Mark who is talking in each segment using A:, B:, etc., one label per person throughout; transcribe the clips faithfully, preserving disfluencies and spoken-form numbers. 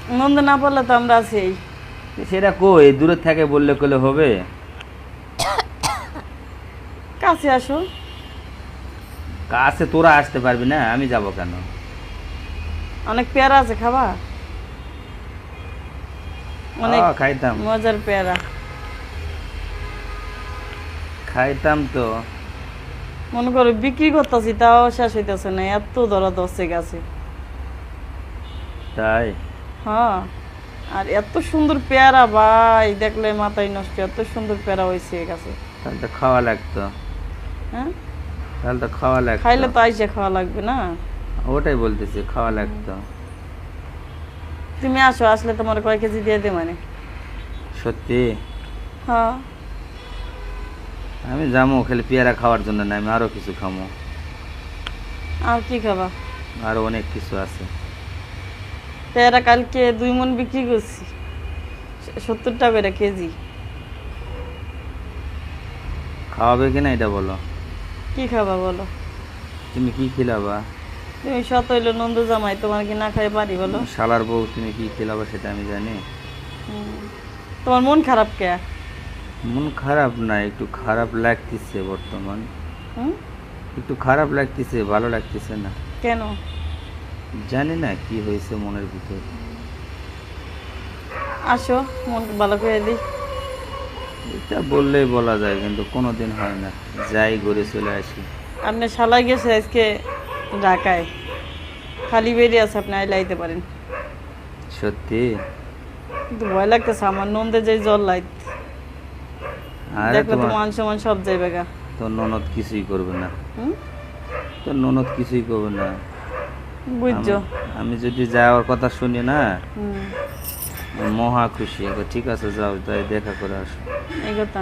A: নন্দ না পারলে তো আমরা আছি।
B: সেটা কই দূরে থেকে বললে কলে হবে?
A: কাছে আসো।
B: কাছে তোরা আসতে পারবি না, আমি যাব কেন?
A: অনেক পেয়ারা আছে, খাবা? অনেক
B: হ্যাঁ, খাইতাম
A: মজার পেয়ারা।
B: খাইতাম তো।
A: মনে করো বিক্রি করতেছি তাও শেষ হইতেছে না, এত দরা দশে গেছে।
B: তাই?
A: হ্যাঁ, আর এত সুন্দর পেয়ারা ভাই, দেখলে মাথায় নষ্ট, এত সুন্দর পেয়ারা হয়েছে গাছে।
B: তাহলে তো খাওয়া লাগতো।
A: হ্যাঁ,
B: তাহলে তো খাওয়া লাগতো।
A: খাইলে তো আইসে খাওয়া লাগবে না?
B: ওটাই বলতেছি, খাওয়া লাগতো।
A: তুমি আসো, আসলে তোমার কয় কেজি দিয়ে দে মানে।
B: সত্যি?
A: হ্যাঁ,
B: আমি যাবো খালি পেয়ারা খাওয়ার জন্য না, আমি আরো কিছু খাবো।
A: আর কি খাবা?
B: আরো অনেক কিছু আছে।
A: পেয়ারা কালকে দুই মন বিক্রি করছি, সত্তর টাকা করে কেজি।
B: খাওয়াবে কিনা এটা বলো।
A: কি খাবা বলো?
B: তুমি কি খিলাবা?
A: তুমি শত হইলো নন্দ জামাই, তোমার কি না খাই পারি বলো?
B: শালার বউ, তুমি কি খিলাবা সেটা আমি জানি।
A: হুম। তোমার মন খারাপ কে?
B: মন খারাপ না, একটু খারাপ লাগতেছে বর্তমান।
A: হুম?
B: একটু খারাপ লাগতেছে, ভালো লাগতেছে না।
A: কেন?
B: জানি না কি হয়েছে মনের ভিতর।
A: আসো, মন ভালো করে দিই।
B: এটা বললেই বলা যায়, কিন্তু কোনোদিন হয় না। যাই ঘুরে চলে আসি।
A: আপনি শালাই গেছে আজকে ঢাকায়, খালি বেরিয়ে আছে, আপনি আইলে আইতে পারেন।
B: সত্যি?
A: কিন্তু ভয় লাগতেছে আমার, নন্দে যে জল লাইত
B: আরে
A: দেখলে তো
B: তোমার
A: মান সমান সব যাইবে গা।
B: তোর ননদ কিছুই করবে না।
A: হুম?
B: তোর ননদ কিছুই করবে না।
A: বুঝছো?
B: আমি- আমি যদি যাওয়ার কথা শুনি না,
A: হুম,
B: আমি মহা খুশি। এবার ঠিক আছে, যাও, তাই দেখা করে আসো।
A: এই কথা।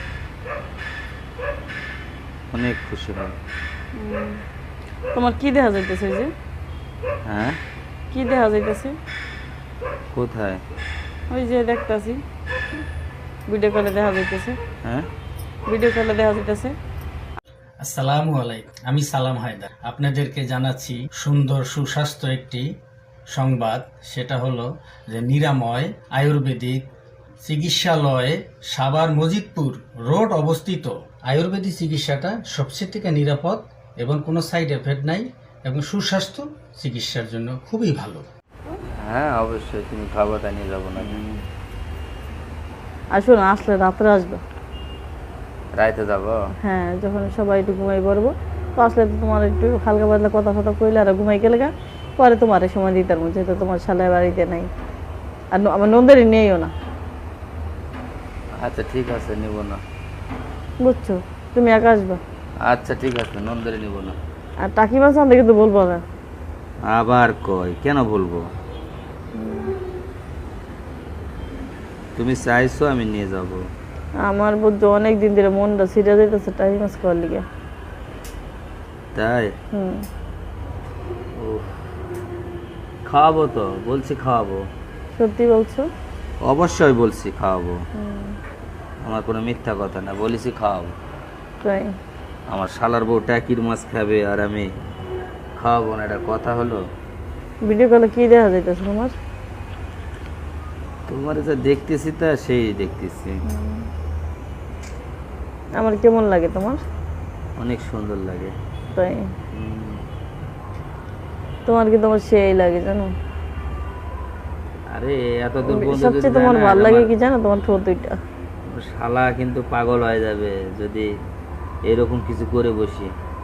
B: অনেক খুশি হয়।
A: হুম। তোমার কি দেখা যাইতেছে ওই যে?
B: হ্যাঁ?
A: কি দেখা যাইতেছে?
B: কোথায়?
A: ওই যে দেখতাছি, ভিডিও কলে দেখা যাইতেছে।
B: হ্যাঁ?
A: ভিডিও কলে দেখা যাইতেছে।
C: আসসালামু আলাইকুম, আমি সালাম হায়দার। আপনাদেরকে জানাচ্ছি সুন্দর সুস্বাস্থ্য একটি সংবাদ। সেটা হলো যে নিরাময় আয়ুর্বেদিক চিকিৎসালয়ে সাভার মজিদপুর রোড অবস্থিত আয়ুর্বেদিক চিকিৎসাটা সবচেয়ে থেকে নিরাপদ এবং কোনো সাইড এফেক্ট নাই এবং সুস্বাস্থ্য চিকিৎসার জন্য খুবই ভালো।
B: হ্যাঁ, অবশ্যই। তুমি খাবারটা নিয়ে যাবো না?
A: আসো না, আসলে রাত্রে আসবে।
B: রাইতে যাবো?
A: হ্যাঁ, যখন সবাই একটু ঘুমাই পড়বো, তো আসলে তো তোমার একটু হালকা পাতলা কথা কথা কইলে আর ঘুমাই গেলে গা, পরে তোমার সময় দিতে পারবো, যেহেতু তোমার শালায় বাড়িতে নাই, আর ন- আমার নন্দেরই নেইও না।
B: আচ্ছা ঠিক আছে, নিব না।
A: বুঝছো? তুমি একা আসবা।
B: আচ্ছা ঠিক আছে, নন্দরে নিব না।
A: আর টাকি মাছ আনতে কিন্তু বলবো না।
B: আবার কই, কেন বলবো? তুমি চাইছো আমি নিয়ে যাব।
A: আমার বুঝছো অনেক দিন ধরে মনটা ছিঁড়ে যেতেছে টাকি মাছ খাওয়ার লিগে।
B: তাই?
A: হুম।
B: উফ, খাওয়াবো তো, বলছি খাওয়াবো।
A: সত্যি বলছো?
B: অবশ্যই বলছি খাওয়াবো। আমার কোনো মিথ্যা কথা না, বলেছি খাওয়াবো।
A: তাই?
B: আমার শালার বউ টাকির মাছ খাবে আর আমি খাওয়াবো না, এটা কথা হলো?
A: ভিডিও কলে কি দেখা যাইতেছে তোমার?
B: তোমার যা দেখতেছি তা সেই দেখতেছি।
A: আমার কেমন লাগে তোমার?
B: অনেক সুন্দর লাগে।
A: তাই?
B: হুম।
A: তোমার কি তোমার সেই লাগে জানো?
B: আরে এত দূর বন্ধু যদি
A: সবচেয়ে তোমার
B: জানে,
A: ভালো লাগে
B: আমার-
A: কি জানো? তোমার ঠোঁট দুইটা।
B: শালা কিন্তু পাগল হয়ে যাবে যদি এরকম কিছু করে বসি।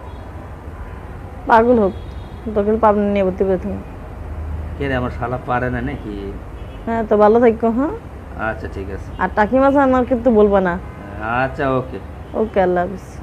A: পাগল হোক, তোকে পাবনা নিয়ে ভর্তি করে তুমি।
B: কে রে, আমার শালা পারে না নাকি?
A: হ্যাঁ, তো ভালো থাকো। হ্যাঁ,
B: আচ্ছা ঠিক আছে।
A: আর টাকি মাছ আমার কিন্তু বলবা না।
B: আচ্ছা ওকে।
A: ওকে, আল্লাহ হাফিজ।